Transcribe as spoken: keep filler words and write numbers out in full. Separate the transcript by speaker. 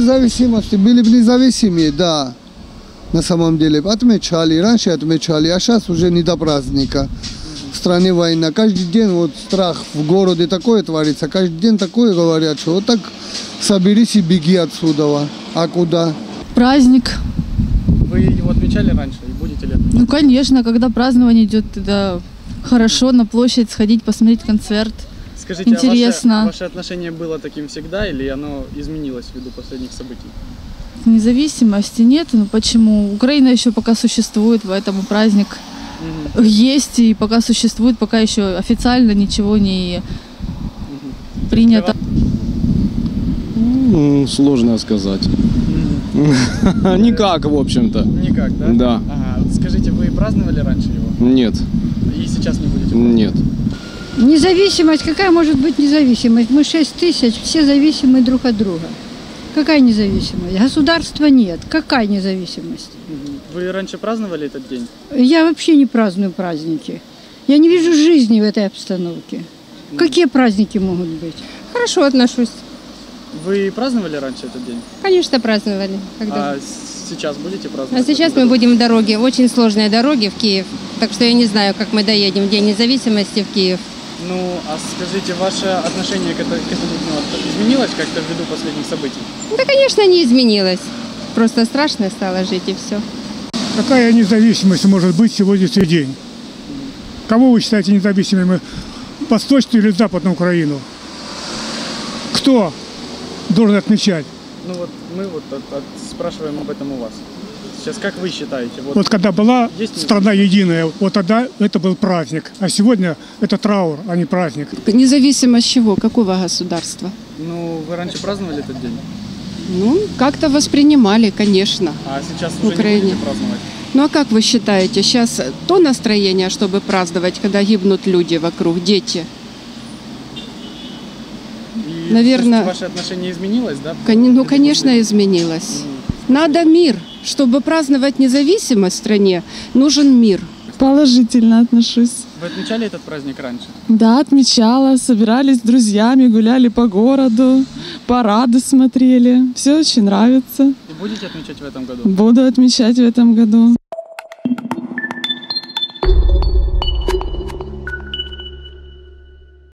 Speaker 1: независимости, были бы независимые, да, на самом деле. Отмечали, раньше отмечали, а сейчас уже не до праздника. В стране война. Каждый день вот страх в городе такое творится. Каждый день такое говорят, что вот так соберись и беги отсюда. А куда?
Speaker 2: Праздник.
Speaker 3: Вы его отмечали раньше и будете ли отмечать?
Speaker 2: Ну, конечно, когда празднование идет, тогда хорошо на площадь сходить, посмотреть концерт.
Speaker 3: Скажите,
Speaker 2: интересно.
Speaker 3: А ваше, ваше отношение было таким всегда или оно изменилось ввиду последних событий?
Speaker 2: Независимости нет, но почему? Украина еще пока существует, поэтому праздник угу. есть, и пока существует, пока еще официально ничего не угу. принято.
Speaker 4: Ну, сложно сказать. Угу. Никак, в общем-то.
Speaker 3: Никак, да?
Speaker 4: Да.
Speaker 3: Ага. Скажите, вы праздновали раньше его?
Speaker 4: Нет.
Speaker 3: И сейчас не будете праздновать?
Speaker 4: Нет.
Speaker 5: Независимость, какая может быть независимость? Мы шесть тысяч, все зависимы друг от друга. Какая независимость? Государства нет. Какая независимость?
Speaker 3: Вы раньше праздновали этот день?
Speaker 5: Я вообще не праздную праздники. Я не вижу жизни в этой обстановке. Какие праздники могут быть?
Speaker 6: Хорошо отношусь.
Speaker 3: Вы праздновали раньше этот день?
Speaker 6: Конечно, праздновали. Когда...
Speaker 3: А сейчас будете праздновать?
Speaker 6: А сейчас мы будем в дороге. Очень сложные дороги в Киев. Так что я не знаю, как мы доедем в День независимости в Киев.
Speaker 3: Ну, а скажите, ваше отношение к этому изменилось как-то ввиду последних событий?
Speaker 6: Да, конечно, не изменилось. Просто страшно стало жить, и все.
Speaker 7: Какая независимость может быть в сегодняшний день? Кого вы считаете независимыми? Восточную или Западную Украину? Кто должен отмечать?
Speaker 3: Ну вот мы вот от, от, спрашиваем об этом у вас. Сейчас как вы считаете? Вот,
Speaker 7: вот когда была
Speaker 3: есть
Speaker 7: страна единая, вот тогда это был праздник. А сегодня это траур, а не праздник.
Speaker 8: Независимость чего? Какого государства?
Speaker 3: Ну, вы раньше праздновали этот день?
Speaker 8: Ну, как-то воспринимали, конечно.
Speaker 3: А сейчас уже
Speaker 8: Украине.
Speaker 3: не будете праздновать?
Speaker 8: Ну, а как вы считаете, сейчас то настроение, чтобы праздновать, когда гибнут люди вокруг, дети?
Speaker 3: И,
Speaker 8: наверное,
Speaker 3: ваше отношение изменилось, да?
Speaker 8: Ну, конечно, изменилось. Надо мир. Чтобы праздновать независимость в стране, нужен мир.
Speaker 9: Положительно отношусь.
Speaker 3: Вы отмечали этот праздник раньше?
Speaker 9: Да, отмечала. Собирались с друзьями, гуляли по городу, парады смотрели. Все очень нравится.
Speaker 3: И будете отмечать в этом году?
Speaker 9: Буду отмечать в этом году.